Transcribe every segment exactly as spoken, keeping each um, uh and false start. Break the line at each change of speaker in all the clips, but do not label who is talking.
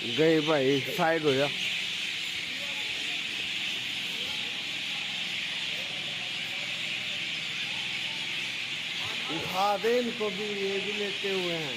गए भाई साइड हो जा। उठा दे इनको भी, ये भी लेटे हुए हैं।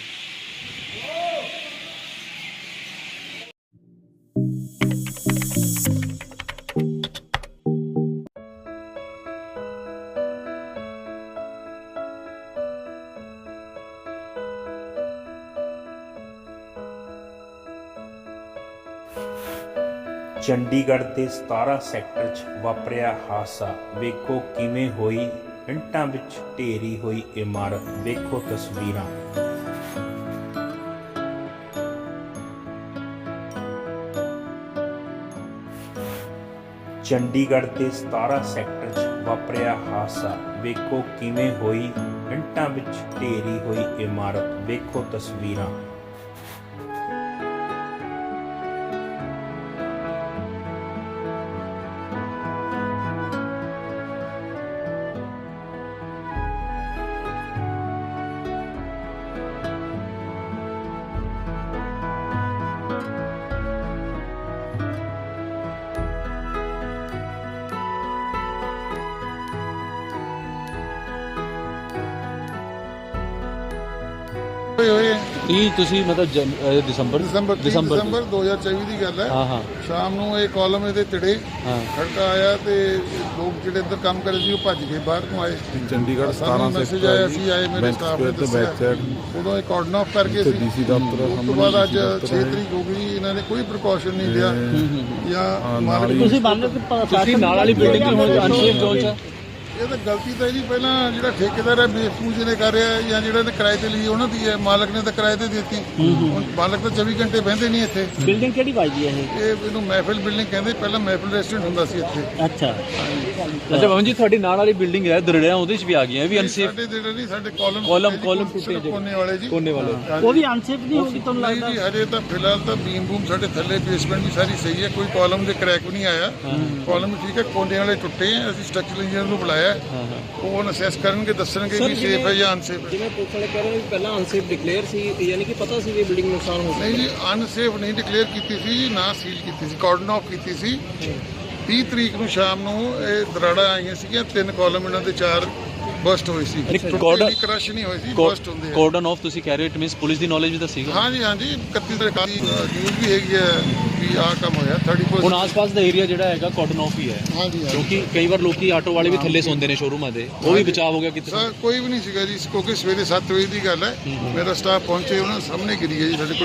ਚੰਡੀਗੜ੍ਹ ਦੇ ਸਤਾਰਾਂ ਸੈਕਟਰ 'ਚ ਵਾਪਰਿਆ ਹਾਦਸਾ। ਵੇਖੋ ਕਿਵੇਂ ਹੋਈ ਇੰਟਾਂ ਵਿੱਚ ਢੇਰੀ ਹੋਈ ਇਮਾਰਤ। ਵੇਖੋ ਤਸਵੀਰਾਂ। ਚੰਡੀਗੜ੍ਹ ਦੇ ਸਤਾਰਾਂ ਸੈਕਟਰ 'ਚ ਵਾਪਰਿਆ ਹਾਦਸਾ। ਵੇਖੋ ਕਿਵੇਂ ਹੋਈ ਇੰਟਾਂ ਵਿੱਚ ਢੇਰੀ ਹੋਈ ਇਮਾਰਤ। ਵੇਖੋ ਤਸਵੀਰਾਂ।
ਕੀ ਤੁਸੀਂ ਮਤਲਬ ਜਨ- ਅਹ ਦਸੰਬਰ
ਦਸੰਬਰ
ਦਸੰਬਰ
ਦਸੰਬਰ ਦੋ ਹਜ਼ਾਰ ਚੌਵੀ ਦੀ ਗੱਲ ਹੈ।
ਹਾਂ ਹਾਂ
ਸ਼ਾਮ ਨੂੰ ਇਹ ਕਾਲਮ ਇਹਦੇ ਤੜੇ
ਹਾਂ
ਖੜਕਾ ਆਇਆ ਤੇ ਲੋਕ ਜਿਹੜੇ ਇੱਧਰ ਕੰਮ ਕਰਦੇ ਸੀ ਉਹ ਭੱਜ ਕੇ ਬਾਹਰ ਨੂੰ ਆਏ।
ਚੰਡੀਗੜ੍ਹ
ਸਾਨੂੰ
ਸਤਾਰਾਂ
ਮੈਸੇਜ ਆਇਆ, ਅਸੀਂ ਆਏ, ਮੇਰੇ
ਬੈਂਕ
ਸਟਾਫ ਨੇ
ਸਕੁਆਇਰ ਤੇ
ਦੱਸਿਆ।
ਬੈਕ ਸਾਈਡ
ਉਦੋਂ ਇਹ ਕਾਰਡਨ ਆਫ ਕਰਕੇ ਸੀ।
ਡੀਸੀ ਦਫ਼ਤਰ
ਉਸ ਤੋਂ
ਸਾਹਮਣੇ
ਬਾਅਦ ਅੱਜ
ਡੀਸੀ ਦਫ਼ਤਰ
ਛੇ
ਹੈ।
ਤਰੀਕ ਹੋ ਗਈ, ਇਹਨਾਂ ਨੇ ਕੋਈ ਪ੍ਰੀਕਾਸ਼ਨ ਨਹੀਂ ਲਿਆ ਜਾਂ
ਹਾਂ,
ਮਾਲਕ
ਨਾਲ ਹੀ-
ਤੁਸੀਂ
ਤੁਸੀਂ ਨਾਲ ਵਾਲੀ ਬਿਲਡਿੰਗ ਦੀ ਹੁਣ ਅਨਸੇਫ ਜ਼ੋਨ 'ਚ
ਇਹ ਤਾਂ ਗਲਤੀ ਤਾਂ ਇਹਦੀ ਪਹਿਲਾਂ ਜਿਹੜਾ ਠੇਕੇਦਾਰ ਹੈ ਬੇਸਪੂਜ ਨੇ ਕਰ ਰਿਹਾ ਜਾਂ ਜਿਹੜਾ ਨੇ ਕਿਰਾਏ ਤੇ ਲਈ ਉਹਨਾਂ ਦੀ ਹੈ। ਮਾਲਕ ਨੇ ਤਾਂ ਕਿਰਾਏ ਤੇ ਦਿੱਤੀ। ਹੁਣ ਮਾਲਕ ਤਾਂ ਚੌਵੀ ਘੰਟੇ ਬਹਿੰਦੇ ਨਹੀਂ ਇੱਥੇ।
ਬਿਲਡਿੰਗ ਕਿਹੜੀ ਵੱਜਦੀ ਹੈ ਇਹ?
ਇਹ ਇਹਨੂੰ ਮਹਿਫਿਲ ਬਿਲਡਿੰਗ ਕਹਿੰਦੇ, ਪਹਿਲਾਂ ਮਹਿਫਿਲ ਰੈਸਟੋਰੈਂਟ ਹੁੰਦਾ ਸੀ ਇੱਥੇ।
ਅੱਛਾ
ਅੱਛਾ ਪਵਨ ਜੀ ਤੁਹਾਡੀ ਨਾਲ ਵਾਲੀ ਬਿਲਡਿੰਗ ਹੈ ਦਰੜਿਆ ਉਹਦੇ 'ਚ ਵੀ ਆ ਗਈਆਂ ਇਹ ਵੀ ਅਨਸੇਫ
ਸਾਡੇ ਜਿਹੜੇ ਨਹੀਂ ਸਾਡੇ ਕਾਲਮ
ਕਾਲਮ ਕਾਲਮ ਟੁੱਟੇ ਜਿਹੜੇ
ਕੋਨੇ ਵਾਲੇ ਜੀ
ਕੋਨੇ ਵਾਲੇ
ਉਹ ਵੀ ਅਨਸੇਫ ਨਹੀਂ ਹੋਗੀ ਤੁਹਾਨੂੰ
ਨਹੀਂ
ਲੱਗਦਾ?
ਜੀ ਹਜੇ ਤਾਂ ਫਿਲਹਾਲ ਤਾਂ ਬੀਮ ਬੂਮ ਸਾਡੇ ਥੱਲੇ ਬੇਸਮੈਂਟ ਵੀ ਸਾਰੀ ਸਹੀ ਹੈ, ਕੋਈ ਕਾਲਮ ਦੇ ਕ੍ਰੈਕ ਵੀ ਨਹੀਂ ਆਇਆ। ਕਾਲਮ ਠੀਕ ਹੈ, ਕੋਨੇ ਵਾਲੇ ਟੁੱਟੇ ਆ। ਅਸੀਂ ਸਟਰਕਚਰਲ ਇੰਜੀਨੀਅਰ ਨੂੰ ਬੁਲਾਇਆ,
ਹਾਂ ਹਾਂ
ਉਹ ਅਸੈਸ ਕਰਨਗੇ, ਦੱਸਣਗੇ ਵੀ ਸੇਫ ਹੈ ਜਾਂ ਅਨਸੇਫ ਹੈ।
ਜਿਵੇਂ ਪੁਲਿਸ ਵਾਲੇ ਕਹਿ ਰਹੇ ਨੇ ਵੀ ਪਹਿਲਾਂ ਅਨਸੇਫ ਡਿਕਲੇਅਰ ਸੀ, ਯਾਨੀ ਕਿ ਪਤਾ ਸੀ ਵੀ ਬਿਲਡਿੰਗ ਨੁਕਸਾਨ ਹੋ
ਨਹੀਂ ਜੀ ਅਨਸੇਫ ਨਹੀਂ ਡਿਕਲੇਅਰ ਕੀਤੀ ਸੀ, ਨਾ ਸੀਲ ਕੀਤੀ ਸੀ, ਕਾਰਡਨ ਆਫ ਕੀਤੀ ਸੀ। ਤੀਹ ਤਰੀਕ ਨੂੰ ਸ਼ਾਮ ਨੂੰ ਇਹ ਦਰਾੜਾ ਆਈਆਂ ਸੀਗੀਆਂ, ਤਿੰਨ ਕਾਲਮ ਇਹਨਾਂ ਦੇ ਚਾਰ ਬਸਟ ਹੋਏ ਸੀ।
ਕਾਰਡਨ
ਕ੍ਰਸ਼ ਨਹੀਂ ਹੋਈ ਸੀ, ਬਸਟ ਹੁੰਦੇ ਆ।
ਕਾਰਡਨ ਆਫ ਤੁਸੀਂ ਕਹਿ ਰਹੇ ਹੋ ਇਟ ਮੀਨਸ ਪੁਲਿਸ ਦੀ ਨੌਲੇਜ ਵੀ ਤਾਂ ਸੀਗਾ।
ਹਾਂਜੀ ਹਾਂਜੀ ਇਕੱਤੀ ਤਰੀਕ ਦੀ ਨਿਊਜ਼ ਵੀ ਹੈਗੀ ਹੈ ਵੀ ਆਹ ਕੰਮ ਹੋਇਆ।
ਹੁਣ
ਥਰਟੀ
ਆਸ-ਪਾਸ ਦਾ ਏਰੀਆ ਜਿਹੜਾ ਹੈਗਾ ਕਾਰਡਨ ਆਫ ਹੀ ਹੈ
ਹਾਂਜੀ ਹਾਂਜੀ
ਕਿਉਂਕਿ ਕਈ ਵਾਰ ਲੋਕੀ ਆਟੋ ਵਾਲੇ ਵੀ ਥੱਲੇ ਸੌਂਦੇ ਨੇ ਸ਼ੋਰੂਮਾਂ ਦੇ, ਉਹ ਵੀ ਬਚਾਅ ਹੋ ਗਿਆ ਕਿਤੇ।
ਸਰ ਕੋਈ ਵੀ ਨਹੀਂ ਸੀਗਾ ਜੀ, ਕਿਉਂਕਿ ਸਵੇਰੇ ਸੱਤ ਵਜੇ ਦੀ ਗੱਲ ਹੈ। ਮੇਰਾ ਸਟਾਫ ਪਹੁੰਚੇ, ਉਹਨਾਂ ਸਾਹਮਣੇ ਗਿਰੀ ਹੈ ਜੀ ਸਾਡੇ ਕੋਲ।